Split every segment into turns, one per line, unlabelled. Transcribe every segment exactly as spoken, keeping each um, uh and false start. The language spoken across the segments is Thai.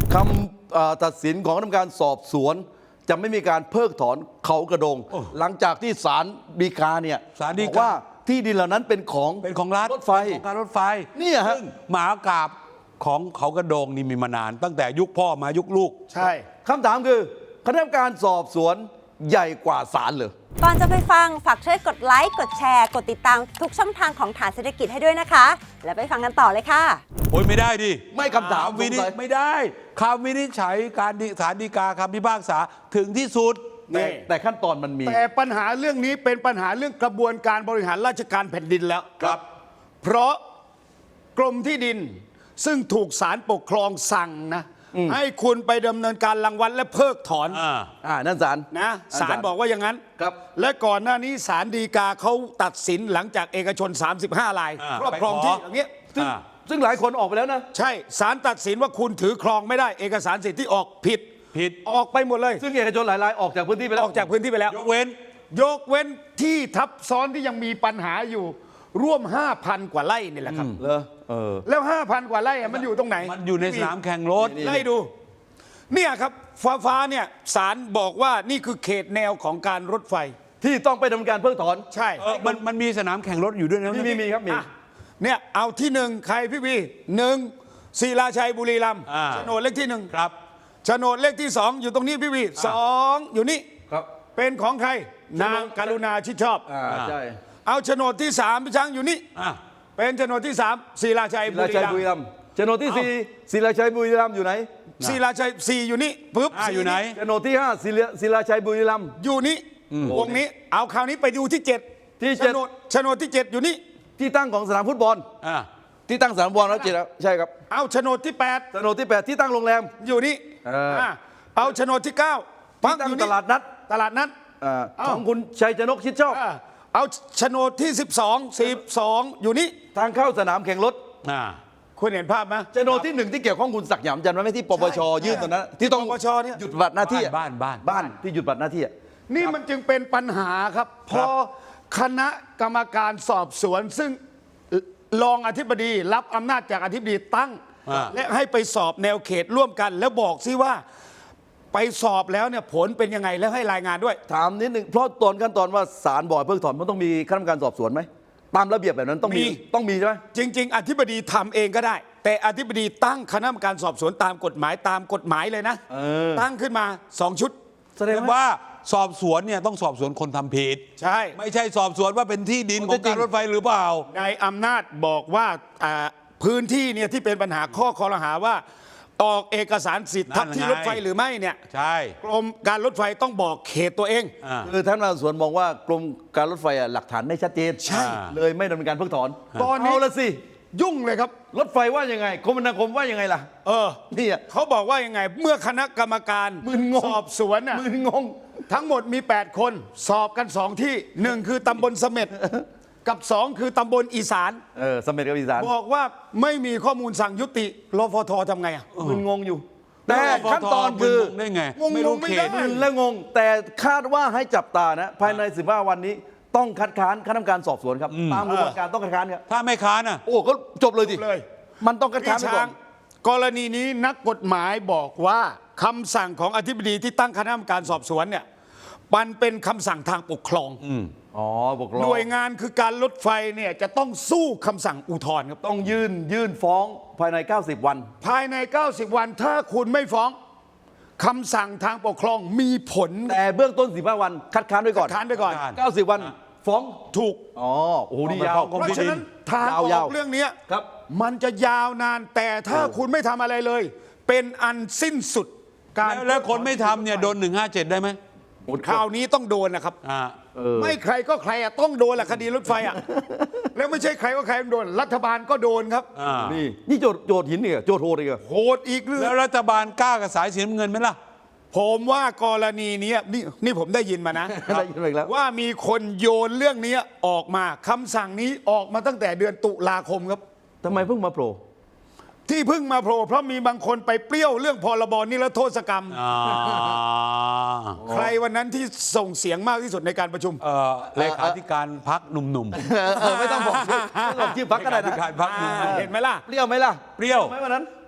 คำตัดสินของคณะกรรมการสอบสวนจะไม่มีการเพิกถอนเขากระโดงหลังจากที่ศาลฎีกาเนี่ยบอกว่าที่ดินเหล่านั้นเป็นของ
เป็นของรัฐ
รถไฟ
ของการรถไฟ
เนี่ยฮะ
ซึ่งหมากราบของเขากระโดงนี่มีมานาน ตั้งแต่ยุคพ่อมายุคลูก
ใช่คำถามคือคณะกรรมการสอบสวนใหญ่กว่าศาลเลย
ก่อนจะไปฟังฝากช่วยกดไลค์กดแชร์กดติดตามทุกช่องทางของฐานเศรษฐกิจให้ด้วยนะคะแล้วไปฟังกันต่อเลยค่ะ
โอ้ยไม่ได้ดิ
ไม่คำถาม
วินิจไม่ได้คำวินิจฉัยการศาลฎีกาคำพิพากษาถึงที่สุด
แต่แต่ขั้นตอนมันมี
แต่ปัญหาเรื่องนี้เป็นปัญหาเรื่องกระบวนการบริหารราชการแผ่นดินแล้ว
ครับ
เพราะกรมที่ดินซึ่งถูกศาลปกครองสั่งนะให้คุณไปดำเนินการรังวัดและเพิกถอน
อ่า
อ่านั่นศาล
นะศาลบอกว่าอย่างนั้น
ครับ
และก่อนหน้านี้ศาลฎีกาเขาตัดสินหลังจากเอกชนสามสิบห้ารายครอบครองที่อย่างเงี้ย
ซึ่งซึ่งหลายคนออกไปแล้วนะ
ใช่ศาลตัดสินว่าคุณถือครองไม่ได้เอกสารสิทธิ์ที่ออกผิด
ผิด
ออกไปหมดเลย
ซึ่งเอกชนหลายรายออกจากพื้นที่ไปแล้ว
ออกจากพื้นที่ไปแล้ว
ยกเว้น
ยกเว้นที่ทับซ้อนที่ยังมีปัญหาอยู่ร่วม ห้าพัน กว่าไร่นี่แหละครับ
เหรอเออ
แล้ว ห้าพัน กว่าไร่มันอยู่ตรงไหน
มันอยู่ในสนามแข่งรถ
ไล่ดูเนี่ยครับฟ้าฟ้าเนี่ยศาลบอกว่านี่คือเขตแนวของการรถไฟ
ที่ต้องไปดำเนินการเพิกถอน
ใช่
มันมันมีสนามแข่งรถอยู่ด้วยนะ
มีมีครับมี
เนี่ยเอาที่หนึ่งใครพี่วีหนึ่งศิลาชัยบุรีรัมย์โฉนดเลขที่หนึ่ง
ครับ
โฉนดเลขที่สองอยู่ตรงนี้พี่วีสองอยู่นี่
ครับ
เป็นของใครนางกรุณาชิดชอบ
อ่าใช่
เอาโฉนดที่สามพี่ช้างอยู่นี่เป็นโฉนดที่สามศิลาชัยบุรีรัมย์
โฉนดที่สี่ศิลาชัยบุรีรัมย์อยู่ไหน
ศิลาชัยสี่อยู่นี่ปุ๊บ
อยู่ไหน
โฉนดที่ห้าศิลาชัยบุรีรัมย์
อยู่นี่วงนี้เอาคราวนี้ไปดูที่เจ็ด
ที่
โฉนดโฉนดที่เจ็ดอยู่นี่
ที่ตั้งของสนามฟุตบอลที่ตั้งสนามฟุตบอลแล้วเจ็ดใช่ครับ
เอาโฉนดที่แปด
โฉนดที่แปดที่ตั้งโรงแรม
อยู่นี่เอาโฉนดที่เก้า
ที่ตั้งตลาดนัด
ตลาดนัด
ของคุณชัยชนกชิดชอบ
เอาโฉนดที่สิบสอง สิบสองอยู่นี่
ทางเข้าสนามแข่งรถ
คุณเห็นภาพไหม
โฉนดที่หนึ่งที่เกี่ยวข้องคุณศักดิ์หยำจันทร์ไหมที่ปปชยื่นตอนนั้นที่ต้อง
ปปชเนี่ย
หยุดบัตรหน้าที่
บ้านบ้าน
บ้านที่หยุดบัตรหน้าที่
นี่มันจึงเป็นปัญหาครับพอคณะกรรมการสอบสวนซึ่งรองอธิบดีรับอำนาจจากอธิบดีตั้งและให้ไปสอบแนวเขตร่วมกันแล้วบอกซิว่าไปสอบแล้วเนี่ยผลเป็นยังไงแล้วให้รายงานด้วย
ถามนิดหนึ่งเพราะตอนขั้นตอนว่าศาลบอกเพิกถอนมันต้องมีคณะกรรมการสอบสวนไหมตามระเบียบแบบนั้นต้องมีต้องมีใช่ไหม
จริงๆอธิบดีทำเองก็ได้แต่อธิบดีตั้งคณะกรรมการสอบสวนตามกฎหมายตามกฎหมายเลยนะตั้งขึ้นมาสองชุด
แสดงว่าสอบสวนเนี่ยต้องสอบสวนคนทำผิด
ใช่
ไม่ใช่สอบสวนว่าเป็นที่ดินของการรถไฟหรือเปล่า
ในอำนาจบอกว่าพื้นที่เนี่ยที่เป็นปัญหาข้อคอรหาว่าออกเอกสารสิทธิ์ทับที่รถไฟหรือไม่เนี่ย
ใช่
กรมการรถไฟต้องบอกเขตตัวเอง
คือท่านสวนมองว่ากรมการรถไฟหลักฐานไม่ชัดเจน
ใช่
เลยไม่ดำเนินการเพิกถอน
ตอนนี้
ละสิ
ยุ่งเลยครับ
รถไฟว่ายังไงคมนาคมว่ายังไงล่ะ
เออนี่เขาบอกว่ายังไงเมื่อคณะกรรมการสอบสวนน่ะ
มึนงง
ทั้งหมดมีแปดคนสอบกันสองที่หนึ่งคือตำบลเสม็ดกับสองคือตำบลอีสาน
เออเสม็ดกับอีสาน
บอกว่าไม่มีข้อมูลสั่งยุติรฟททำไงอ่ะ
มึนงงอยู่แต่ขั้นตอนคือ
ได้ไง
ไม่รู้เขต
และงงแต่คาดว่าให้จับตานะภายในสิบห้าวันนี้ต้องคัดค้านคณะกรรมการสอบสวนครับตามกระบวนการต้องคัดค้านครับ
ถ้าไม่ค้านอ่ะ
โอ้ก็จบเลยดิมันต้องคัดค้านไปก่อน
กรณีนี้นักกฎหมายบอกว่าคำสั่งของอธิบดีที่ตั้งคณะกรรมการสอบสวนเนี่ยมันเป็นคำสั่งทางปกครอง
อ๋อปกครอง
หน่วยงานคือการรถไฟเนี่ยจะต้องสู้คำสั่งอุทธรณ์ครับ
ต้องยื่นยื่นฟ้องภายในเก้าสิบวัน
ภายในเก้าสิบวันถ้าคุณไม่ฟ้องคำสั่งทางปกครองมีผล
แต่เบื้องต้นสิบห้าวันคัดค้านไว้ก่อน
คัดค้านไว้ก่อน
เก้าสิบวันฟ้อง
ถูก
อ๋อโอ้โหนี่ยาว
เพราะฉะนั้นทางออกเรื่องนี้
ครับ
มันจะยาวนานแต่ถ้าคุณไม่ทำอะไรเลยเป็นอันสิ้นสุด
การแล้วคนไม่ทำเนี่ยโดนหนึ่งห้าเจ็ดได้ไหม
คราวนี้ต้องโดนนะครับไม่ใครก็ใครอะต้องโดนแหละคดีรถไฟอะแล้วไม่ใช่ใครก็ใครโดนรัฐบาลก็โดนครับ
นี่นี่โจทย์โจทย์หินเนี่ยโจทย์โหดอีก
โหดอีกเรื่อง
แล้วรัฐบาลกล้ากับสายสีน้ำเงินไหมล่ะ
ผมว่ากรณีนี้นี่นี่ผมได้ยินมานะว่ามีคนโยนเรื่องนี้ออกมาคำสั่งนี้ออกมาตั้งแต่เดือนตุลาคมครับ
ทำไมเพิ่งมาโผล่
ที่เพิ่งมาโผล่เพราะมีบางคนไปเปรี้ยวเรื่องพรบนิรโทษกรรมใครวันนั้นที่ส่งเสียงมากที่สุดในการประชุม
เลขาธิการพรรคหนุ่ม
ๆไม่ต้องบอกชื่อบอกชื่อพรรคก็ได้นะ
เลขาธิการพรรคหนุ่ม
เห็นไหมล่ะ
เปรี้ยวไหมล่ะ
เปรี้ยว
ไหมวันนั้น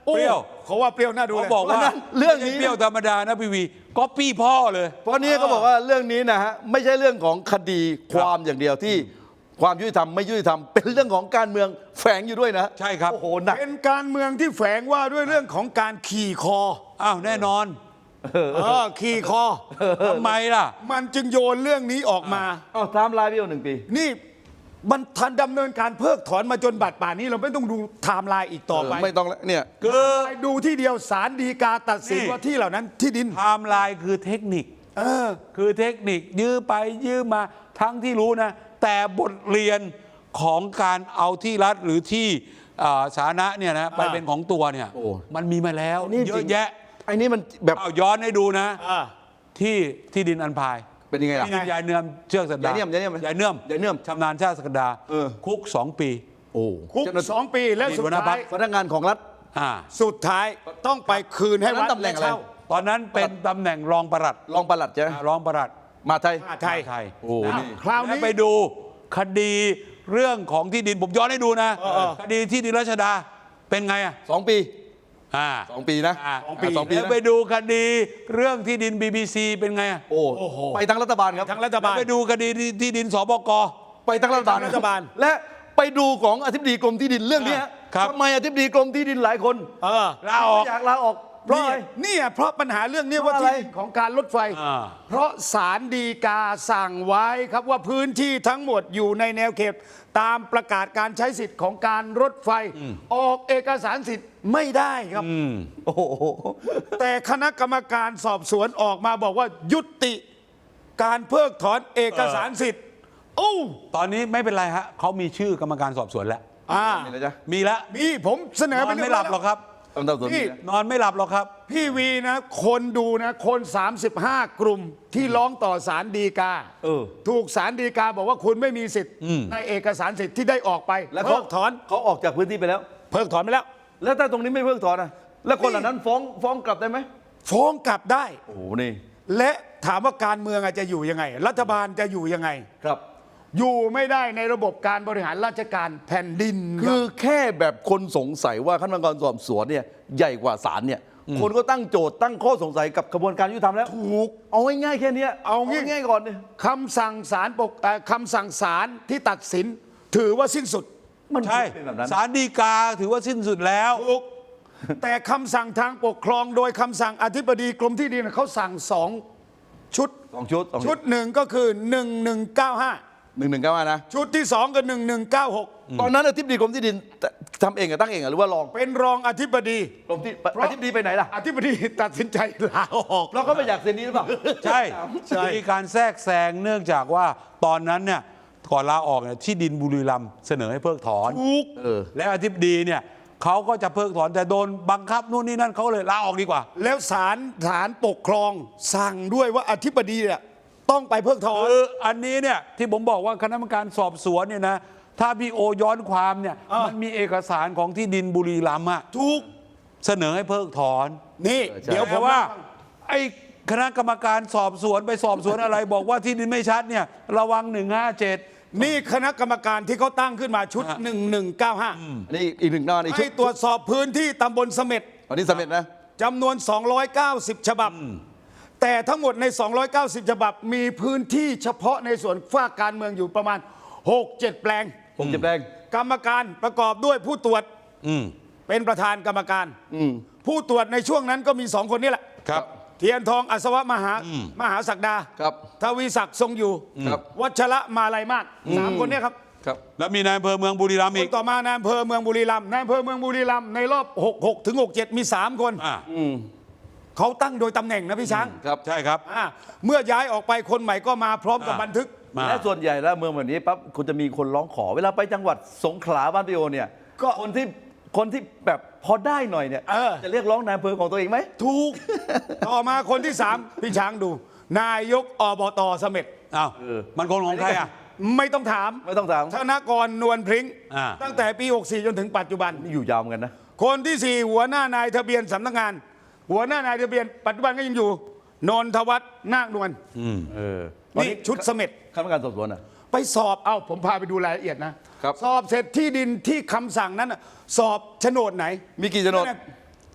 โอ้
เปรี้ยว
เขาว่าเปรี้ยวน่าดู
เขา
เลย
บอกว่า
เพราะฉะนั้นเรื่องนี้
ไม่ใช่เปรี้ยวธรรมดานะพี่วีก็ปี้พ่อเลย
เพราะนี้ก็บอกว่าเรื่องนี้นะฮะไม่ใช่เรื่องของคดีความอย่างเดียวที่ความยุติธรรมไม่ยุติธรรมเป็นเรื่องของการเมืองแฝงอยู่ด้วยนะ
ใช่ครับ
โอ้โหหนัก
เป็นการเมืองที่แฝงว่าด้วยเรื่องของการขี่คอ
อ้าวแน่นอน
เออขี่คอ
ทำไมล่ะ
มันจึงโยนเรื่องนี้ออกมา
อ้าวไทม์ไลน์พี่โอหนึ่งปี
นี่มันทันดำเนินการเพิกถอนมาจนบัดป่านนี้เราไม่ต้องดูไทม์ไลน์อีกต่อไป
ไม่ต้องแล้วเนี่ย
คือ
ไปดูที่เดียวศาลฎีกาตัดสิน
นี่
ว่าที่เหล่านั้นที่ดิน
ไทม์ไลน์คือเทคนิค
เออ
คือเทคนิคยื้อไปยื้อมาทั้งที่รู้นะ แต่บทเรียนของการเอาที่รัฐหรือที่อ่าสาธารณะเนี่ยนะไป
อ่า
เป็นของตัวเนี่ย
โอ้
มันมีมาแล้ว
นี่
เย
จริ
อะ
ง
แยะ
ไอ้นี่มันแบบ
เอาย้อนให้ดูนะ
อ่า
ที่ที่ดินอันพาย
เป็นยังไงล่ะ
ที่ดินยายเนื่อมเชือกสักดาย
ายเนื่อมยายเนื่อม
ยายเนื่อม
ยายเนื่อม
ชำนาญชาติสักดา
เออ
คุกสองปี
โอ้
คุก
เจ้าหน้าที่
สองปีแล้ว
นี่
สุด
หัวหน้าพร
ท้าร ย
ค
พนักงานของรัฐ
อ่า
สุดท้ายต้องไปคืนให้
ตอนนั้
วัด
นตำแหน่งอะไร
เช่า
ตอนนั้นเป็นตำแหน่งรองปลัด
รองปลัดใช่ไหม
อ่ารองปลัด
มาไทย
มหาไทย
ไทย
โอ้
นะ
นี่
คราวนี้
แล้ไปดูคดีเรื่องของที่ดินผมย้อนให้ดูนะ
เออเออ
คดีที่ดินรัชดาเป็นไงอ่ะ
สองปี
อ่า
สองปีนะ
อ่า
สองปี
สองปี
แล้ว
นะ
ไปดูคดีเรื่องที่ดิน บี บี ซี เป็นไงอ่ะ
โอ้ไปทั้งรัฐบาลครับ
ทั้งรัฐบาล
ไปดูคดีที่ที่ดินสบก
ไปทั้งรัฐบาล
ไปทั้งรัฐบาล
และไปดูของอธิบดีกรมที่ดินเรื่องนี้ฮะ
ครับ
ทำไมอธิบดีกรมที่ดินหลายคน
เออ
ลาออก
ไม่อยากลาออกเพราะอะไร
นี่ยเพราะปัญหาเรื่องนี้
เพ
ว่า
ราะอะไร
ที่ดินของการรถไฟ
อ่า
เพราะศาลฎีกาสั่งไว้ครับว่าพื้นที่ทั้งหมดอยู่ในแนวเขต ตามประกาศการใช้สิทธิ์ของการรถไฟ ออกเอกสารสิทธิ์ไม่ได้ครับ
โอ้โห
แต่คณะกรรมการสอบสวนออกมาบอกว่ายุติการเพิกถอนเอกสารสิทธิ์โอ้
ตอนนี้ไม่เป็นไรฮะเขามีชื่อกรรมการสอบสวนแล้ว
อ่า
นี่นะจ๊ะ
มีแล้ว
มีผมเสน
น
อ
อ
ไป
น
เย
ไม่หลับหรอกครับ
ตำรวจสวน
นี่
นี่นะ
นอนไม่หลับหรอกครับ
พี่วีนะคนดูนะคน สามสิบห้า กลุ่มที่ร้องต่อศาลฎีกา
เออ
ถูกศาลฎีกาบอกว่าคุณไม่มีสิทธิ์ในเอกสารสิทธิ์ที่ได้ออกไป
แล้ว
เพิ
เขา
กถอน
เขาออกจากพื้นที่ไปแล้ว
เพิกถอนไปแล้ว
แล้วถ้าตรงนี้ไม่เพิกถอนนะแล้วคนเหล่านั้นฟ้องฟ้องกลับได้ไหม
ฟ้องกลับได้
โอ้โหนี่
และถามว่าการเมืองอาจจะอยู่ยังไง รัฐบาลจะอยู่ยังไง
ครับ
อยู่ไม่ได้ในระบบการบริหารราชการแผ่นดิน
คือแค่แบบคนสงสัยว่าขั้นตอนการสอบสวนเนี่ยใหญ่กว่าศาลเนี่ย คนก็ตั้งโจทย์ตั้งข้อสงสัยกับกระบวนการยุติธรรมแล้ว
ถูก
เอาง่ายๆแค่เนี้ย
เอางี้
ง่ายๆก่อนเนี่ย
คำสั่งศาลปกเอ่อคำสั่งศาลที่ตัดสิน ถือว่าสิ้นสุด
มัน
ใช่
เป็นแบบนั้น
ศาลฎีกาถือว่าสิ้นสุดแล้ว
ถูกแต่คำสั่งทางปกครองโดยคำสั่งอธิบดีกรมที่ดินเขาสั่งสองชุด
สองชุดสอง
ชุดหนึ่งก็คือ หนึ่งหนึ่งเก้าห้า
หนึ่งหนึ่งเก้านะ
ชุดที่สองก็หนึ่งหนึ่งเก้าหก
ตอนนั้นอธิบดีกรมที่ดินทำเองอะตั้งเองอะหรือว่ารอง
เป็นรองอธิบดี
กรมที่
เพราะ
อธิบดีไปไหนล่ะ
อธิบดีตัดสินใจลาออก
เราก็ไม่อยากเซ็นนี้หรือเปล่า
ใช่
ใช่
มีการแทรกแซงเนื่องจากว่าตอนนั้นเนี่ยก่อนลาออกเนี่ยที่ดินบุรีรัมย์เสนอให้เพิกถอน
ถูก
เออ
และอธิบดีเนี่ยเขาก็จะเพิกถอนแต่โดนบังคับนู่นนี่นั่นเขาเลยลาออกดีกว่า
แล้วศาลศาลปกครองสั่งด้วยว่าอธิบดีเนี่ยต้องไปเพิกถอน
คืออันนี้เนี่ยที่ผมบอกว่าคณะกรรมการสอบสวนเนี่ยนะถ้าพี่โอย้อนความเนี่ย
อ่ามั
มันมีเอกสารของที่ดินบุรีรัมย์อะ
ถูก
เสนอให้เพิกถอน
นี่
ใช่
เดี๋ยวผ
แต่
ม
ว่า
ว่า
ไอ้คณะกรรมการสอบสวนไปสอบสวนอะไร บอกว่าที่ดินไม่ชัดเนี่ยระวังหนึ่งห้าเจ็ด
นี่คณะกรรมการที่เขาตั้งขึ้นมาชุด
อ่ะ
หนึ่งหนึ่งเก้าห้า
อันนี้อีกหนึ่งหน้าอีกชุ
ให้
ด
ตรวจสอบพื้นที่ตำบลเสม็ด
อันนี้สำเร็จนะ
จำนวน สองร้อยเก้าสิบ ฉบับ แต่ทั้งหมดใน สองร้อยเก้าสิบ ฉบับ มีพื้นที่เฉพาะในส่วนฝ้ากการเมืองอยู่ประมาณ หกเจ็ด แปลง
ผมจะแปลง
กรรมการประกอบด้วยผู้ตรวจ
อืม
เป็นประธานกรรมการ
อืม
ผู้ตรวจในช่วงนั้นก็มีสองคนนี่แหละ
ครับ
เทียนทองอัศวะมหามหาศักดา
ครับ
ทวีศักดิ์ทรงอยู่
ครับ
วัชระมาลัยมาศสามคนเนี้ครับ
ครับ
แล้วมีนายอำเภอเมืองบุรีรัมย์
ค
อี
น
ก
ต่อมานายอำเภอเมืองบุรีรัมย์นายอำเภอเมืองบุรีรัมย์ในรอบหก หกถึงหกเจ็ดมีสามคน
อ่า
อืม
เขาตั้งโดยตำแหน่งนะพี่ช้าง
ครับ
ใช่ครับ
อ่าเมื่อย้ายออกไปคนใหม่ก็มาพร้อมกับ
อ่า
บันทึก
มา
และส่วนใหญ่แล้วเมืองแบบนี้ปั๊บคุณจะมีคนร้องขอ เวลาไปจังหวัดสงขลาบ้านพี่โอเนี่ย
ก็
คนที่คนที่แบบพอได้หน่อยเนี่ย
เออ
จะเรียกร้องนายอำเภอของตัวเองไหม
ถูก ต่อมาคนที่สามพี่ช้างดู นายกอบตเสม็ด
อ้าว
เออ
มันคนของใครอ่ะ
ไม่ต้องถาม
ไม่ต้องถาม
ธนกรนวลพริ้ง
อ่า
ตั้งแต่ปี หกสี่ จนถึงปัจจุบัน
นี่อยู่ยาวเหมือนกันนะ
คนที่สี่หัวหน้านายทะเบียนสำนักงาน หัวหน้านายทะเบียนปัจจุบันก็ยังอยู่นนทวัฒน์นาคนวล
เออ
นี่ชุดเสม็ด
ข้าราชการสอบสวนอ่ะ
ไปสอบเอ้าผมพาไปดูรายละเอียดนะครับ สอบเสร็จที่ดินที่คำสั่งนั้นน่ะสอบโฉนดไหน
มีกี่โฉนด
นั่นน่ะ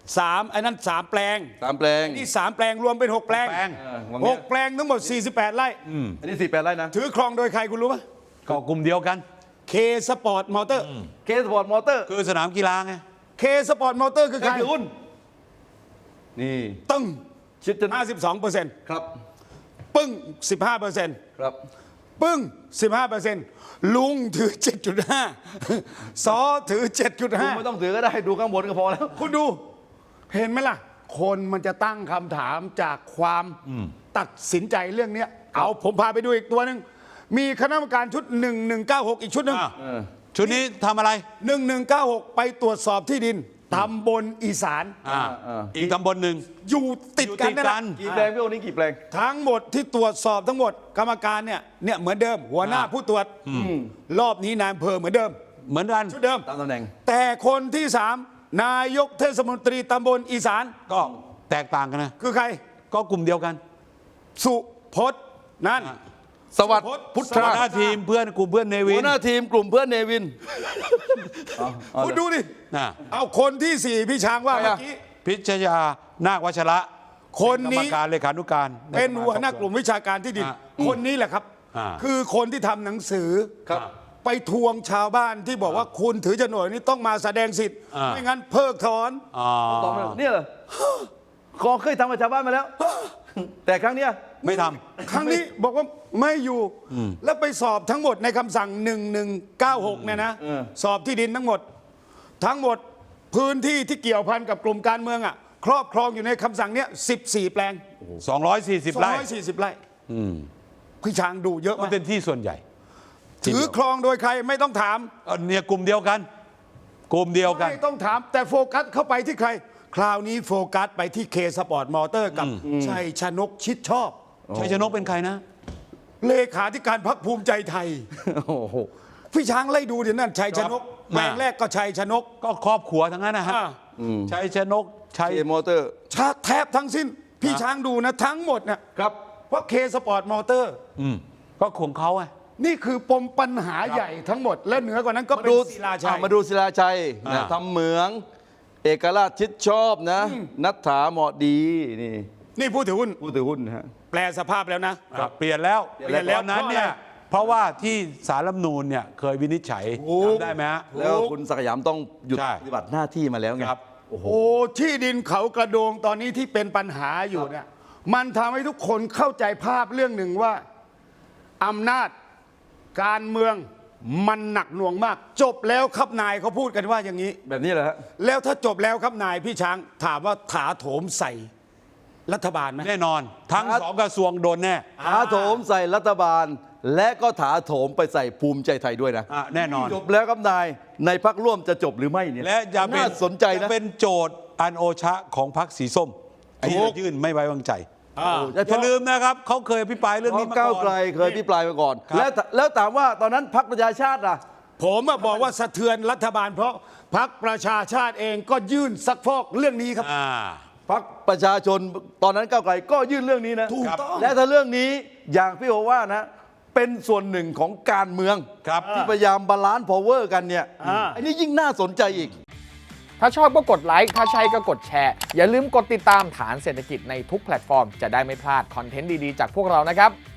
สามไอ้นั่นสามแปลง
สามแปลง
นี่สามแปลงรวมเป็นหกแปลง
แปลง
เออวาง
ห
เนี้ย
กแปลงทั้งหมดสี่สิบแปดไร่
อันนี้สี่แปดไร่นะ
ถือครองโดยใครคุณรู้ไหม
ก็กลุ่มเดียวกัน
เคสปอร์ตมอเตอร์
เคสปอร์ตมอเตอร์
คือสนามกีฬาไง
เคสปอร์ตมอเตอร์คือ
ใค
ใค
ร
ร
ถือหุ้นนี่
ตึ้ง
ชิดจะ
ห้าสิบสองเปอร์เซ็นต์
ครับ
ปึ้งสิบห้าเปอร์เซ็นต์
ครับ
ปึ้งสิบห้าเปอร์เซ็นต์ลุงถือ เจ็ดจุดห้า ซอถือ เจ็ดจุด
คุณ
ห้า
ไม่ต้องถือก็ได้ดูข้างบนก็พอแล้ว
คุณดู เห็นไหมล่ะ คนมันจะตั้งคำถามจากความตัดสินใจเรื่องเนี้ยเอาผมพาไปดูอีกตัวหนึ่งมีคณะกรรมการชุดหนึ่งหนึ่งเก้าหกอีกชุดหนึ่ง
อ่ะ
เออ
ชุดนี้ทำอะไร
หนึ่งหนึ่งเก้าหกไปตรวจสอบที่ดินตำบลอีสาน
อ่า
อ่า
อีกตำบลหนึ่ง
อยู่ติดกัน
อยู่ติด
นั่นแห
กั
ละ
น
กี่แปลงพี่โอนี้กี่แปลง
ทั้งหมดที่ตรวจสอบทั้งหมดกรรมการเนี่ยเนี่ยเหมือนเดิม หัวหน้า
อ่า
ผู้ตรวจรอบนี้นายอำเภอเหมือนเดิม
เหมือนกัน
ชุดเดิม
ตามตำแหน่ง
แต่คนที่สามนายกเทศมนตรีตำบลอีสาน
ก็แตกต่างกันนะ
คือใคร
ก็กลุ่มเดียวกัน
สุพจน์นั่น
อ่า
สวัสดิ์
สุพจน์
พุท
หั
ธาว
หน้าทีมเพื่อนกลุ่มเพื่อนเนวิ
หั
น
วหน้าทีมกลุ่มเพื่อนเนวินเอาเอา
คุณ
เลย
ดูดิ
อ่ะ
เอาคนที่สี่พี่ช้างว่า
ใคร
เมื่
อะ
อกี้
พิชยานาควัชระ
คนนี้
เป็กรรมการเลขานุการ
เป็นหัวหน้ากลุ่มวิชาการที่ดิน
อ่ะ
คนนี้แหละครับ
อ่า
คือคนที่ทำหนังสือ
ครับ
ไปทวงชาวบ้านที่บอกว่าคุณถือโฉนดนี้ต้องมาแสดงสิทธิ์
อ่า
ไม่งั้นเพิกถอน
อ๋อ
ตอบมาเนี่ยเหรอขอเคยทำกับชาวบ้านมาแล้ว แต่ครั้งเนี้ย
ไม่ท
ครั้งนี้บอกว่าไม่อยู่ แล้วไปสอบทั้งหมดในคำสั่งหนึ่งหนึ่งเก้าหกเนี่ยนะ
เออ
สอบที่ดินทั้งหมด ทั้งหมดพื้นที่ที่เกี่ยวพันกับกลุ่มการเมืองอ่ะครอบครองอยู่ในคำสั่งเนี้ยสิบสี่แปลง
ำสองร้อยสี่สิบไร่
สองร้อยสี่สิบไร่พี่ช้างดูเยอะ
มัน
มาก
เป็นที่ส่วนใหญ่
ถือครองโดยใครไม่ต้องถาม
เออเนี่ยกลุ่มเดียวกัน กลุ่มเดียวกัน
ไม่ต้องถามแต่โฟกัสเข้าไปที่ใคร คราวนี้โฟกัสไปที่เคสปอร์ตมอเตอร์กับชัยชนกชิดชอบ
ชัยชนกเป็นใครนะ
เลขาธิการพรรคภูมิใจไทย
โอ้โห
พี่ช้างไล่ดูเดี๋ยวนั่นชัยชนก
ครับ
แปลงแรกก็ชัยชนก
ก็ครอบครัวทั้งนั้นนะฮะ
อ่า
ชัยชนกชัย
เคมอเตอร์
ชาแทบทั้งสิ้น พี่ช้างดูนะทั้งหมดนะครับ เพราะเคสปอร์ตมอเตอร์
อืมก็ของเขาไง
นี่คือปมปัญหาใหญ่ทั้งหมด และเหนือกว่านั้นก็
มา
เป็น
ดู
ศิลาชัย
อ่ะมาดูศิลาชัยนะ
อ่า
ทำเหมือง เอกราชชิดชอบนะ นัทถาเหมาะดีนี่
นี่ผู้ถือหุ้น
ผู้ถือหุ้นนะฮะ
แปลสภาพแล้วนะ
ครับเปลี่ยนแล้ว
เปลี่ยนแล้ว
ตอนนั้นเนี่ย เพราะว่าที่สารรัฐธรรมนูญเนี่ยเคยวินิจฉัย
ถูก
จำได้ไหมฮะ
แล้วคุณศักดิ์สยามต้องหยุด
ใช่
ปฏิบัติหน้าที่มาแล้วไง
ครับ
โอ้โห
โอ้ที่ดินเขากระโดงตอนนี้ที่เป็นปัญหาอยู่เนี่ยมันทำให้ทุกคนเข้าใจภาพเรื่องหนึ่งว่าอำนาจการเมืองมันหนักหน่วงมาก จบแล้วครับนายเขาพูดกันว่าอย่างนี้
แบบนี้เหรอฮะ
แล้วถ้าจบแล้วครับนายพี่ช้างถามว่าถาโถมใส่รัฐบาลไหม
แน่นอน ทั้ง
ครับ
สองกระทรวงโดนแน่
ถาโถมใส่รัฐบาล และก็ถาโถมไปใส่ภูมิใจไทยด้วยนะ
อ่ะแน่นอน
จบแล้วครับนายในพักร่วมจะจบหรือไม่เนี่ย
และจะเป็น
น่าสนใจนะ
จะเป็นโจทย์อันโอชะของพรรคสีส้มที่จะยื่นไม่ไว้วางใจ
อ่า
อย่าลืมนะครับเขาเคยอภิปรายเรื่อง
เพ
นี้
ราะ
มา
ก้าว
ก่อ
ไกล
น
เคยพิปรายมาก่อน
ครับ
แล้วแล้วถามว่าตอนนั้นพักประชาชาติล่ะ
ผมอะบอกว่าสะเทือนรัฐบาล เพราะพรรคประชาชาติเองก็ยื่นซักฟอกเรื่องนี้ครับ
อ่า
พักประชาชนตอนนั้นก้าวไกลก็ยื่นเรื่องนี้นะ
ถูกต้อง
และถ้าเรื่องนี้อย่างพี่โอว่านะ เป็นส่วนหนึ่งของการเมือง
ครับ
ที่พยายามบาลานซ์พาวเวอร์กันเนี่ย
อ่า
อันนี้ยิ่งน่าสนใจอีก
ถ้าชอบก็กดไลค์ ถ้าใช่ก็กดแชร์ อย่าลืมกดติดตามฐานเศรษฐกิจในทุกแพลตฟอร์ม จะได้ไม่พลาดคอนเทนต์ดี ๆ จากพวกเรานะครับ